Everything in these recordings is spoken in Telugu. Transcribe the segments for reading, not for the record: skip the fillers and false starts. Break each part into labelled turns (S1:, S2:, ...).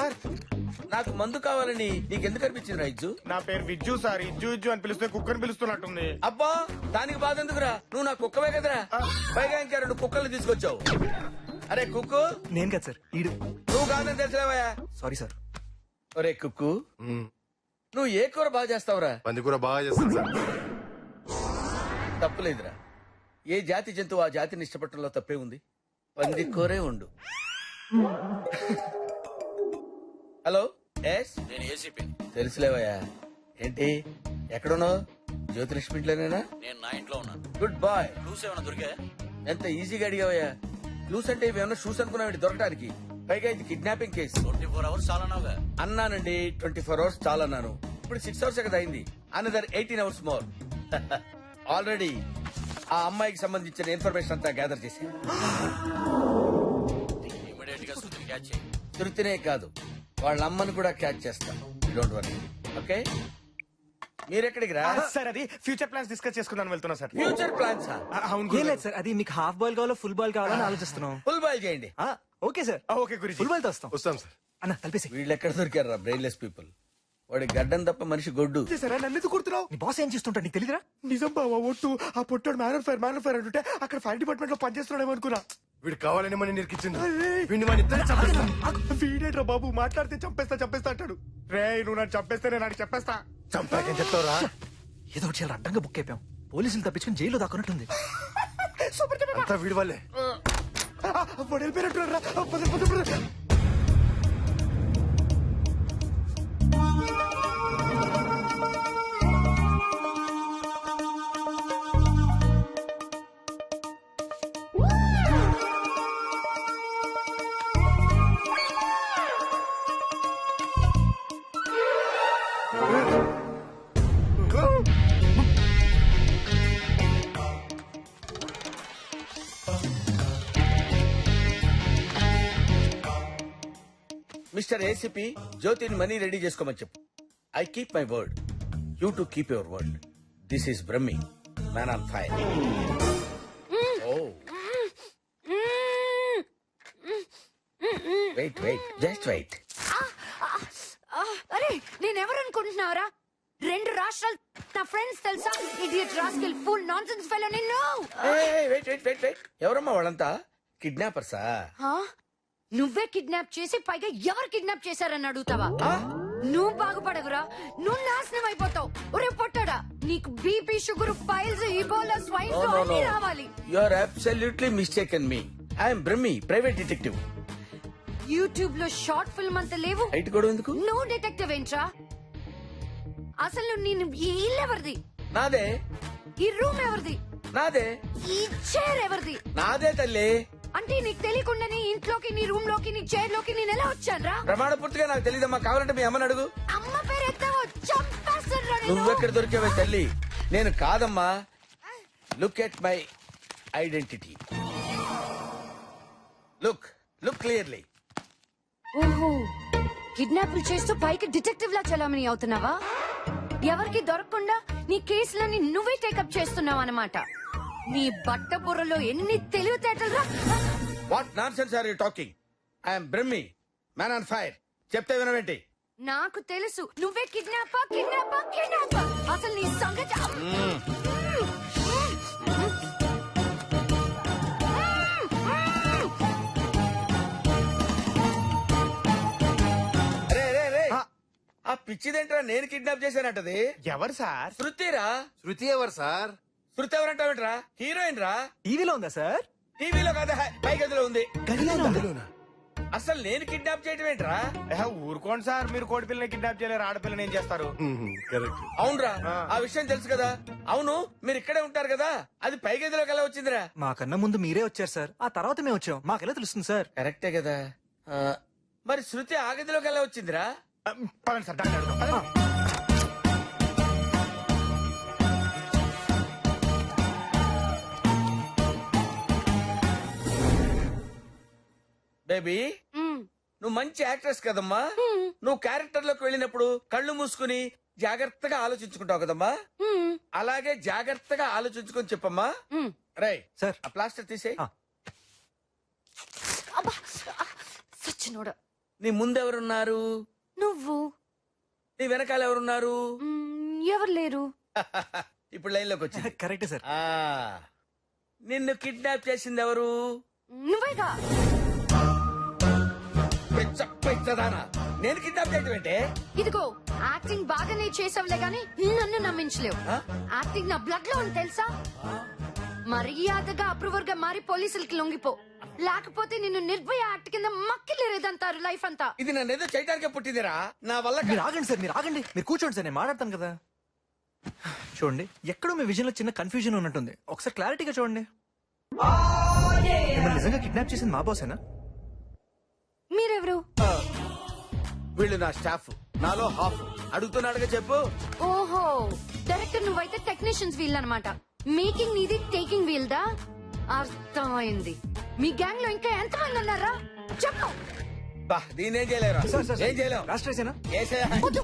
S1: సార్
S2: నాకు మందు కావాలని నీకెందుకు అనిపించింది రైజు?
S1: నా పేరు విజ్జు సార్. ఇజ్జు ఇజ్జు అని పిలిస్తే కుక్కని పిలుస్తున్నట్టుంది.
S2: అబ్బా దానికి బాధ ఎందుకురా, నువ్వు నా కుక్కవే కదరా. పైగా ఇంకా 2 కుక్కలు తీసుకొచ్చావు. అరే కుక్కు,
S3: నేను కదా సార్ ఈడు.
S2: నువ్వు కాదని తెలిసావయా?
S3: Sorry sir.
S2: ఒరే కుక్కు, నువ్వు ఏ కూర బాగా చేస్తావురా?
S4: పందికూర బాగా చేస్తాను సార్.
S2: తప్పులేదురా. ఏ జాతి జంతువు ఆ జాతిని ఇష్టపడటంలో తప్పే ఉంది. పంది కూరే ఉండు. హలో, ఎస్
S5: నేను ఏసీపీ.
S2: తెలుసులేవయ్యా. ఏంటి ఎక్కడున్నావు? జ్యోతిలక్ష్మి ఇంట్లోనేనా?
S5: నేను నా ఇంట్లో ఉన్నాను.
S2: Good bye.
S5: క్లూస్ ఏమైనా దొరికా?
S2: ఎంత ఈజీగా అడిగావయ్యా. క్లూస్ అంటే ఇవేమన్నా షూస్ అనుకున్నావు దొరకడానికి? పైగా ఇది కిడ్నాపింగ్ కేసు.
S5: 24 hours చాలా నావుగా.
S2: అన్నానండి, 24 hours చాలా అన్నాను. ఇప్పుడు 6 hours కదా అయింది. Another 18 hours more. ఆల్రెడీ ఆ అమ్మాయికి సంబంధించిన ఇన్ఫర్మేషన్ అంతా గ్యాదర్ చేశాను.
S5: ఇమీడియట్ గా శృతిని క్యాచ్ చేయి.
S2: తృప్తినే కాదు, వాళ్ళ అమ్మని కూడా క్యాచ్ చేస్తాను. Don't worry. ఓకే, మీరెక్కడికి రా?
S1: సార్ అది ఫ్యూచర్ ప్లాన్స్ డిస్కస్ చేసుకుందాం వెళ్తున్నా సార్.
S2: Future plans.
S1: అవును
S3: ఏం లేదు సార్, అది మీకు హాఫ్ బాల్ కావాలో ఫుల్ బాల్ కావాలని ఆలోచిస్తున్నాం.
S2: ఫుల్ బాయ్ చేయండి.
S3: ఓకే సార్,
S1: ఓకే గురించి
S3: ఫుల్ బాల్ తో వస్తాం.
S4: వస్తాం సార్.
S3: అన్న కలిపేసి.
S2: వీళ్ళు ఎక్కడ దొరికారు రా బ్రెయిన్లెస్ పీపుల్. వాడి గడ్డం తప్ప మనిషి గొడ్డు.
S1: సరే నన్ను ఎందుకు కుడుతున్నావు?
S3: నీ బాస్ ఏం చేస్తుంటా నీకు తెలీదురా?
S1: నిజం బావా ఒట్టు. ఆ పొట్టాడు మ్యాన్ ఫైర్ అంటుంటే అక్కడ ఫైర్ డిపార్ట్మెంట్ లో పనిచేస్తున్నాడేమో అనుకున్నా.
S4: వీడు కావాలని మన నిరికిచ్చింది. వీడిని మన ఇద్దరు చంపేస్తాం.
S1: వీడేట్రా బాబు మాట్లాడితే చంపేస్తా అంటాడు. రే నువ్వు నన్ను చంపేస్తే నేను నాకు చెప్పేస్తా.
S4: చంపాకేం చెప్తావురా?
S3: ఏదో ఒకటి చాలా అడ్డంగా బుక్ అయిపోయాం. పోలీసులు తప్పించుకుని జైల్లో దాక్కున్నట్టుంది.
S1: సూపర్ చెప్పా.
S4: అంతా వీడి వల్లే.
S1: వాడు వెళ్ళిపోయినట్టున్నాడు రా. పద.
S2: మిస్టర్ ఏసీపీ, జ్యోతిని మనీ రెడీ చేసుకోమని చెప్పు. I keep my word, you to keep your word. This is Brahmi, man on fire. Oh wait just wait.
S6: అరే నేనెవరు అనుకుంటున్నావురా? 2 రాష్ట్రాలు నా ఫ్రెండ్స్ తెలుసా? Idiot rascal full nonsense fellow నిన్ను.
S2: వెయిట్ ఎవరమ్మా వాళ్ళంతా? కిడ్నాపర్సా?
S6: నువ్వే కిడ్నాప్ చేసి పైగా ఎవరు కిడ్నాప్ చేశారని అడుగుతావా? నువ్వు బాగుపడవురా, నువ్వు నాశనం అయిపోతావు. ఒరే పొట్టాడా, నీకు BP, sugar, piles, ebola, swine flu అన్ని రావాలి.
S2: You are absolutely mistaken me. I'm Brahmi, private detective.
S6: YouTube లో షార్ట్ ఫిల్మ్ అంత లేవు.
S2: హైట్ కూడా ఎందుకు?
S6: నువ్వు డిటెక్టివ్ ఏంట్రా? అసలు నేను ఈ ఇల్లు ఎవరిది?
S2: నాదే.
S6: ఈ రూమ్ ఎవరిది?
S2: నాదే.
S6: ఈ చైర్ ఎవరిది?
S2: నాదే తల్లి.
S6: అంటే నీకు తెలియకుండానే ఇంట్లోకి, నీ రూమ్ లోకి, నీ చైర్ లోకి నేను ఎలా వచ్చానురా?
S2: ప్రమాణ పూర్తిగా నాకు తెలియదమ్మా. కావాలంటే మీ అమ్మని అడుగు.
S6: అమ్మ పేరు ఎత్తావో చంపేస్తానురా నేను.
S2: నువ్వెక్కడ దొరికావే తల్లి? నేను కాదమ్మా. Look at my identity. Look clearly.
S6: ఓహో, కిడ్నాపులు చేస్తూ పైకి డిటెక్టివ్ లా చలామణి అవుతున్నావా? ఎవరికి దొరకకుండా నీ కేసులని నువ్వే టేకప్ చేస్తున్నావు అన్నమాట. నీ బట్ట బుర్రలో ఎన్ని తెలివితేటలురా!
S2: What nonsense are you talking? I'm Brahmi, man on fire. చెప్తే వినవేంటి?
S6: నాకు తెలుసు నువ్వే కిడ్నాపా. అసలు నీ సంగతి
S2: ఆ పిచ్చిదేంట్రా? నేను కిడ్నాప్ చేశానంటది.
S1: ఎవరు సార్?
S2: శృతిరా.
S4: శృతి ఎవరు సార్?
S2: శృతి ఎవరంటావేంట్రా? హీరోయిన్ రా.
S3: టీవీలో ఉందా సార్?
S2: టీవీలో కాదా, పై గదిలో ఉంది.
S4: గదిలోనా?
S2: అసలు నేను కిడ్నాప్ చేయటం ఏంట్రా?
S1: ఊరుకోండి సార్, మీరు కోడి పిల్లని కిడ్నాప్ చేయలేరు, ఆడపిల్లని ఏం చేస్తారు?
S4: కరెక్ట్.
S2: అవునరా, ఆ విషయం తెలుసు కదా. అవును, మీరు ఇక్కడే ఉంటారు కదా, అది పై గదిలోకి ఎలా వచ్చిందిరా?
S3: మాకన్నా ముందు మీరే వచ్చారు సార్, ఆ తర్వాత మేము వచ్చాం. మాకెలా తెలుస్తుంది సార్?
S2: కరెక్టే కదా. మరి శృతి ఆ గదిలోకి ఎలా వచ్చిందిరా?
S1: పదండి సార్, డాక్టర్ అడుగుదాం. పదండి.
S2: బేబీ, నువ్వు మంచి యాక్ట్రెస్ కదమ్మా. నువ్వు క్యారెక్టర్ లోకి వెళ్ళినప్పుడు కళ్ళు మూసుకుని జాగ్రత్తగా ఆలోచించుకుంటావు కదమ్మా. అలాగే జాగ్రత్తగా ఆలోచించుకొని చెప్పమ్మా. రై
S3: సార్,
S2: ఆ ప్లాస్టర్ తీసేయ్.
S6: సచ్చినోడా,
S2: నీ ముందెవరున్నారు?
S6: నువ్వు.
S2: నీ వెనకాల ఎవరున్నారు?
S6: ఎవరు లేరు.
S2: ఇప్పుడు లైన్ లోకి వచ్చింది.
S3: కరెక్టే సార్.
S2: ఆ, నిన్ను కిడ్నాప్ చేసింది ఎవరు?
S6: నువ్వేగా.
S2: పిచ్చదానా, నేను కిడ్నాప్ చేయటం ఏంటే?
S6: ఇదిగో యాక్టింగ్ బాగానే చేసావులే గాని నన్ను నమ్మించలేవు.
S2: ఆ?
S6: యాక్టింగ్ నా బ్లడ్ లో ఉంది తెలుసా. మర్యాదగా అప్రూవర్ గా మారి పోలీసులకి లొంగిపో, లేకపోతే నిన్ను నిర్భయ యాక్ట్ కింద మక్కిలేదంటారు లైఫ్ అంతా.
S2: ఇది నన్ను ఏదో చేయడానికే పుట్టిందిరా, నా వల్ల
S3: మీరు ఆగండి సార్, మీరు ఆగండి. మీరు కూర్చోండి సార్, నేను మాట్లాడతాను కదా. చూడండి, ఎక్కడో మీ విజన్ లో చిన్న కన్ఫ్యూజన్ ఉన్నట్టుంది. ఒకసారి క్లారిటీగా చూడండి. మిమ్మల్ని నిజంగా కిడ్నాప్ చేసింది మా బాసేనా?
S6: మీరెవరు?
S2: వీళ్ళు నా స్టాఫ్, నాలో హాఫ్. అడుగుతున్నాడుగా చెప్పు.
S6: ఓహో, డైరెక్టర్ నువ్వైతే టెక్నీషియన్స్ వీల్ అన్నమాట. మేకింగ్ నీది, టేకింగ్ వీల్ దా. అర్థమైంది. మీ గ్యాంగ్ లో ఇంకా ఎంతమంది ఉన్నారా చెప్పు.
S2: బా, దీనేం చేయలేరా? ఏం చేయలేం.
S3: లాస్ట్ రేసేనా?
S2: ఏసేయ్.
S6: వద్దు.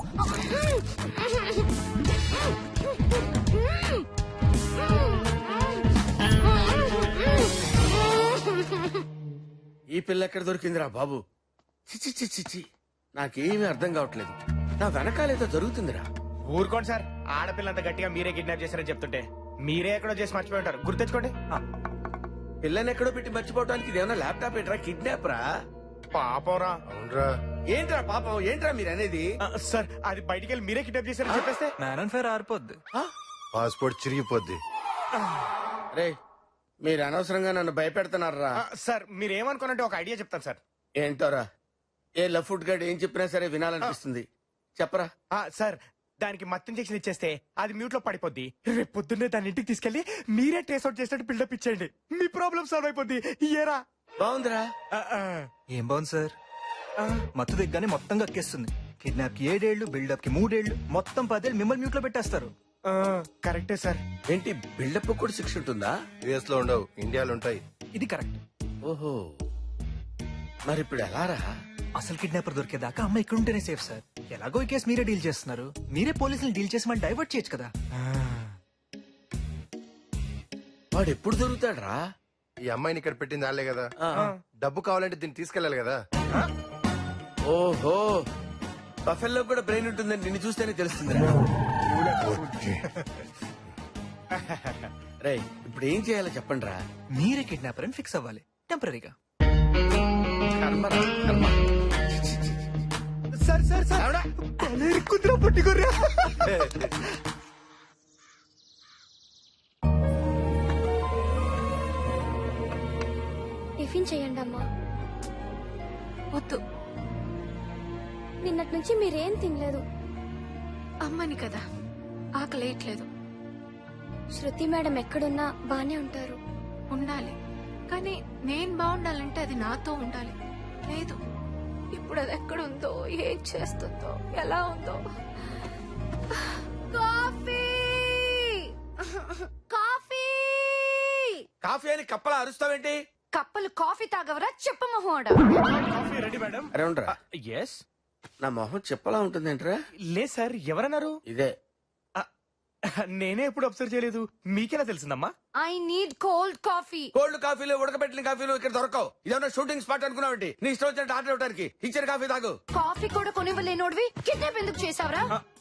S2: ఈ పిల్ల ఎక్కడ దొరికిందిరా బాబు? చిచి చిచి చిచి, నాకేమీ అర్థం కావట్లేదు. నా వెనకాలేదో జరుగుతుందిరా.
S4: ఊరుకోండి సార్, ఆడపిల్లంత గట్టిగా మీరే కిడ్నాప్ చేశారని చెప్తుంటే మీరే ఎక్కడో చేసి మర్చిపోయి ఉంటారు. గుర్తెచ్చుకోండి.
S2: పిల్లని ఎక్కడో పెట్టి మర్చిపోవడానికి ఇదేమన్నా ల్యాప్టాప్ ఏంట్రా? కిడ్నాప్ రా.
S4: పాపరా.
S1: అవునరా.
S2: ఏంట్రా పాపం? ఏంట్రా మీరు అనేది?
S4: సార్, అది బయటికి వెళ్ళి మీరే కిడ్నాప్ చేశారని చెప్పేస్తే
S3: మ్యాన్ అండ్ ఫైర్ ఆరిపోద్ది.
S1: పాస్పోర్ట్ చిరిగిపోద్ది.
S2: రే, మీరు అనవసరంగా నన్ను భయపెడుతున్నారా?
S4: సార్, మీరు ఏమనుకోనంటే ఒక ఐడియా చెప్తాను సార్.
S2: ఏంటోరా? ఏ లఫ్ట్ గడ్ ఏం చెప్పినా సరే వినాలనిపిస్తుంది. చెప్పరా.
S4: సార్, దానికి మత్తు ఇంజెక్షన్ ఇచ్చేస్తే అది మ్యూట్ లో పడిపోద్ది. రేపు పొద్దున్నే దాని ఇంటికి తీసుకెళ్లి మీరే ట్రేస్ అవుట్ చేసినట్టు బిల్డప్ ఇచ్చేయండి. మీ ప్రాబ్లం సాల్వ్ అయిపోద్ది. ఏరా?
S2: బాగుందిరా.
S3: ఏం బాగుంది సార్, మత్తు దిగ్గానే మొత్తం కక్కేస్తుంది. కిడ్నాప్ కి 7 ఏళ్లు, బిల్డప్ కి 3 ఏళ్లు, మొత్తం 10 ఏళ్ళు మిమ్మల్ని మ్యూట్ లో పెట్టేస్తారు.
S4: కరెక్టే సార్.
S2: ఏంటి, బిల్డప్ కూడా శిక్ష ఉంటుందా?
S1: యుఎస్ లో ఉండవు, ఇండియాలో ఉంటాయి.
S3: ఇది కరెక్ట్.
S2: ఓహో, మరి ఇప్పుడు ఎలా రా?
S3: అసలు కిడ్నాపర్ దొరికేదాకా అమ్మ ఇక్కడ ఉంటేనే సేఫ్ సార్. ఎలాగో ఈ కేసు మీరే డీల్ చేస్తున్నారు, మీరే పోలీసులు డీల్ చేసి మళ్ళీ డైవర్ట్ చేయొచ్చు కదా.
S2: వాడు ఎప్పుడు దొరుకుతాడ్రా?
S1: ఈ అమ్మాయిని ఇక్కడ పెట్టింది వాళ్ళే కదా.
S2: ఆ.
S1: డబ్బు కావాలంటే దీన్ని తీసుకెళ్ళాలి కదా.
S2: ఓహో, బఫెల్లో కూడా బ్రెయిన్ ఉంటుందని నిన్ను చూస్తేనే తెలుస్తుంది. రే, ఇప్పుడు ఏం చేయాలో చెప్పండి రా.
S3: మీరే కిడ్నాపర్ అని ఫిక్స్ అవ్వాలి టెంపరీగా.
S2: కర్మరా, కర్మ.
S4: సార్ సార్ సార్,
S2: ఆవిడ?
S4: కుదిరా పట్టుకోర్రా.
S7: టిఫిన్ చేయండి అమ్మా.
S6: వద్దు,
S7: నిన్నటి నుంచి మీరేం తినలేదు.
S6: అమ్మని కదా, ఆకలేయట్లేదు.
S7: శృతి మేడం ఎక్కడున్నా బానే ఉంటారు.
S6: ఉండాలి, కానీ నేను బాగుండాలంటే అది నాతో ఉండాలి. లేదు, ఇప్పుడు అది ఎక్కడుందో, ఏం చేస్తుందో, ఎలా ఉందో. కాఫీ కాఫీ
S2: కాఫీ అని కప్పలా అరుస్తావేంటి?
S6: కప్పలు కాఫీ తాగవరా చెప్ప మొహోడ.
S4: Coffee ready madam.
S2: అరే ఉండరా,
S4: ఎస్.
S2: నా మొహం చెప్పలా ఉంటుందేంట్రా?
S4: లేదు సార్, ఎవరన్నారు?
S2: ఇదే.
S4: నేనే ఎప్పుడు అబ్జర్వ్ చేయలేదు. మీకెలా తెలిసిందమ్మా?
S6: I need cold coffee.
S2: Cold కాఫీలు, ఉడకబెట్టిన కాఫీలు ఇక్కడ దొరకవు. ఇదేమన్నా షూటింగ్ స్పాట్ అనుకున్నావంటి? నీ ఇష్టం వచ్చినట్టు ఆర్డర్ ఇవ్వడానికి. ఇచ్చిన కాఫీ తాగు.
S6: కాఫీ కూడా కొనివ్వలేనోడివి కిడ్నాప్ ఎందుకు చేసావరా?